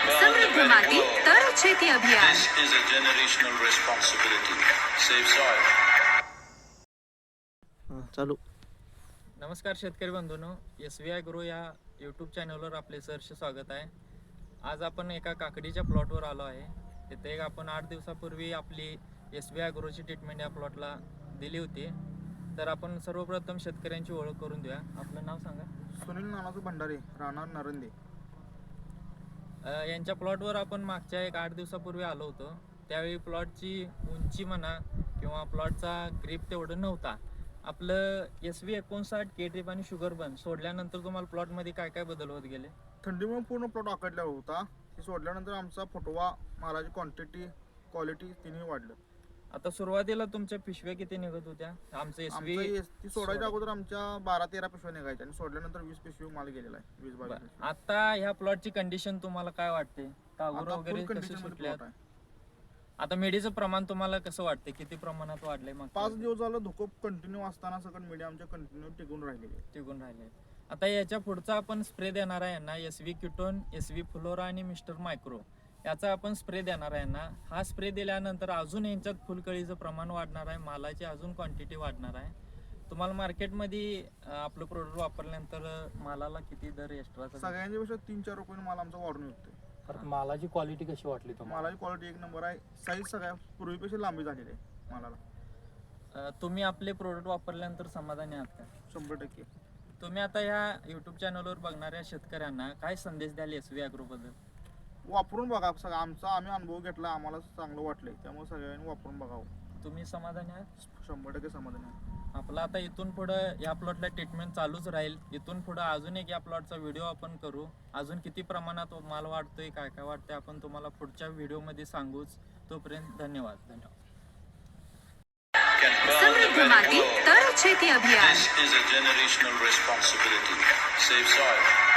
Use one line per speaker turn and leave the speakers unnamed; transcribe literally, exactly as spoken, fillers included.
समृद्ध माती तर शेती अभियान.
This is a generational responsibility. Save soil.
चालू.
नमस्कार शेतकरी बंधूंनो, एस व्ही आय गुरु या यूट्यूब चॅनलवर आपले सहर्ष स्वागत आहे. आज आपण एका काकडीच्या प्लॉटवर आलो आहे. तिथे एक आपण आठ दिवसापूर्वी आपली एस व्ही आय गुरुची ट्रीटमेंट या प्लॉटला दिली होती. तर आपण सर्वप्रथम शेतकऱ्यांची ओळख करून देऊया. आपलं नाव सांगा.
सुनील नानाचं भंडारे, राहणार नरंदे.
यांच्या प्लॉटवर आपण मागच्या एक आठ दिवसापूर्वी आलो होतो. त्यावेळी प्लॉटची उंची म्हणा किंवा प्लॉटचा ग्रीप तेवढं नव्हता. आपलं एस व्ही एकोणसाठ के ट्रिप आणि शुगर बन सोडल्यानंतर तुम्हाला प्लॉटमध्ये काय काय बदल होत गेले?
थंडीमुळे पूर्ण प्लॉट आकडला होता. ती सोडल्यानंतर आमचा फुटवा, मालाची क्वांटिटी, क्वालिटी तिन्ही वाढलं.
आता सुरुवातीला तुमच्या पिशव्या किती निघत होत्या? आमचं एस व्ही
ती सोडायच्या अगोदर आमच्या बारा तेरा पिशव्या निघायच्या आणि सोडल्यानंतर वीस पिशवी माल गेलेला आहे. वीस बावीस.
आता ह्या प्लॉटची कंडिशन तुम्हाला काय वाटते? कागुर वगैरे कसे सुटल्यात? आता मेडीचं प्रमाण तुम्हाला कसं वाटते? किती प्रमाणात वाढलंय? मग
पाच दिवस झालं धुकं कंटिन्यू असताना सगळं मीडिया आमच्या कंटिन्यू टिकून राहिलेले
टिकून राहिले. आता याच्या पुढचा आपण स्प्रे देणार आहे यांना, एस व्ही क्युटोन, एस व्ही फ्लोरा आणि मिस्टर मायक्रो याचा आपण स्प्रे देणार आहे यांना. हा स्प्रे दिल्यानंतर अजून यांच्यात फुलकळीचं प्रमाण वाढणार आहे, मालाची अजून क्वांटिटी वाढणार आहे. तुम्हाला मार्केटमध्ये आपलं प्रोडक्ट वापरल्यानंतर मालाला किती दर एक्स्ट्रा?
सगळ्यांच्या पेक्षा तीन चार रुपये माल आमचा वाढून येतोय.
मालाची क्वालिटी कशी वाटली तुम्हाला?
मालाची क्वालिटी एक नंबर आहे. साईज सगळ्या पूर्वीपेक्षा लांबी झालेली आहे मालाला.
तुम्ही आपले प्रोडक्ट वापरल्यानंतर समाधानी आहात का?
शंभर टक्के.
तुम्ही आता ह्या युट्यूब चॅनलवर बघणाऱ्या शेतकऱ्यांना काय संदेश द्याल एस व्ही ॲग्रो बद्दल?
वापरून बघा. सगळं आमचा आम्ही अनुभव घेतला, आम्हाला चांगलं वाटलंय, त्यामुळे सगळ्यांनी वापरून बघावं.
तुम्ही समाधानी आहात?
शंभर टक्के समाधान आहे.
आपलं आता इथून पुढं या प्लॉटला ट्रीटमेंट चालूच राहील. इथून पुढं अजून एक या प्लॉटचा व्हिडिओ आपण करू. अजून किती प्रमाणात माल वाढतोय, काय काय वाटतंय, आपण तुम्हाला पुढच्या व्हिडिओमध्ये सांगूच. तोपर्यंत धन्यवाद. धन्यवाद.
समृद्ध माती तर शेती अभियान.
This is a generational responsibility. Save soil.